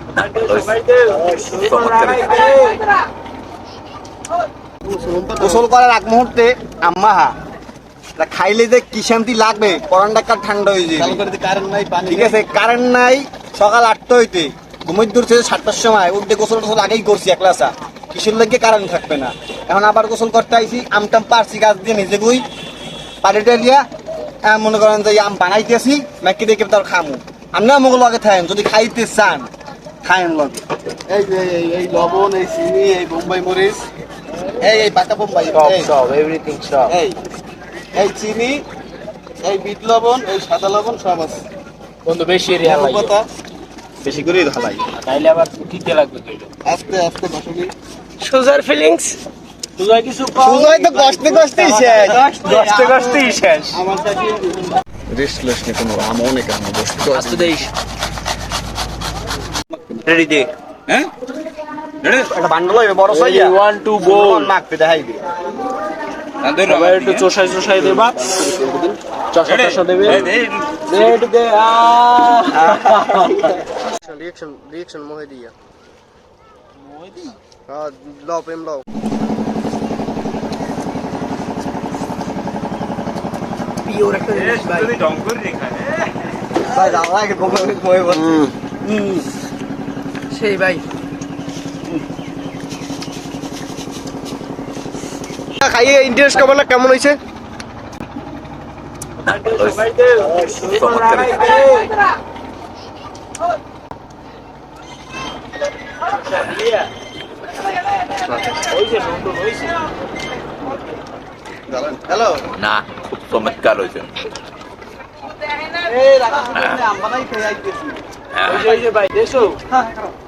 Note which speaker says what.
Speaker 1: গোসল করার আগ মুহূর্তে আম্মা খাইলে যে কি শান্তি লাগবে, পরানটা ঠান্ডা হয়ে যায়। ঠিক আছে, কারেন্ট নাই। সকাল 8টা হইতে ঘুমিয়ে দূরছে 7টার সময় উঠতে গোসল টোসল আগেই করছি একলাসা, কিসের লাগে কারেন্ট থাকবে না। এখন আবার গোসল করতে আইছি, আমটাম পারছি গাছ দিয়ে নিজে গুই পানিটা লিয়া মনে করেন যে আম বানাইতেছি নাকি দেখে তার খামু। আমরা আমাকে লগে থাকেন যদি খাইতে চান, খায়েন লগে। এই যে এই লবণ, এই চিনি, এই বোম্বাই মরিচ, এই পাকা বোম্বাই সব এভরিথিং সব, এই চিনি, এই বিট লবণ, এই সাদা লবণ সব আছে
Speaker 2: বন্ধু। বেশি এরিয়া লাগবে,
Speaker 1: বেশি করে ঢালাই,
Speaker 2: তাইলে আবার দিতে লাগবে।
Speaker 1: আস্তে আস্তে বসবি।
Speaker 2: সুজার ফিলিংস, সুজার কিছু
Speaker 1: সুজাই তো কষ্টে কষ্টেই শেষ,
Speaker 2: কষ্টে কষ্টেই শেষ।
Speaker 1: আমার কাছে রেস্টলেস নে কোনো আম অনেক আম বসতে তো
Speaker 2: আস্তে দেইস। রেডি দে,
Speaker 1: হ্যাঁ রেডি একটা বান্ডল হইবে বড় সাইয়া
Speaker 2: 1 2 গোল
Speaker 1: মাখতে দেখাইবি।
Speaker 2: আবার একটু চোষাই চোষাই দেবা, চষা চষা দেবে। রেডি দে।
Speaker 1: রিঅ্যাকশন মোহে দিয়া হ্যাঁ, লাও প্রেম লাও।
Speaker 2: পিওর একটা জিনিস ভাই,
Speaker 1: ভাই দাঁড়াকে মোহে বলছি
Speaker 2: সেই ভাই।
Speaker 1: খাইয়ে ইন্টারেস্ট কেমন কেমন হয়েছে? হ্যালো
Speaker 3: না, খুব চমৎকার হয়েছে।
Speaker 1: এই রাখা আমরা নাই খেয়ে আইতেছি।
Speaker 2: ভাই দেশো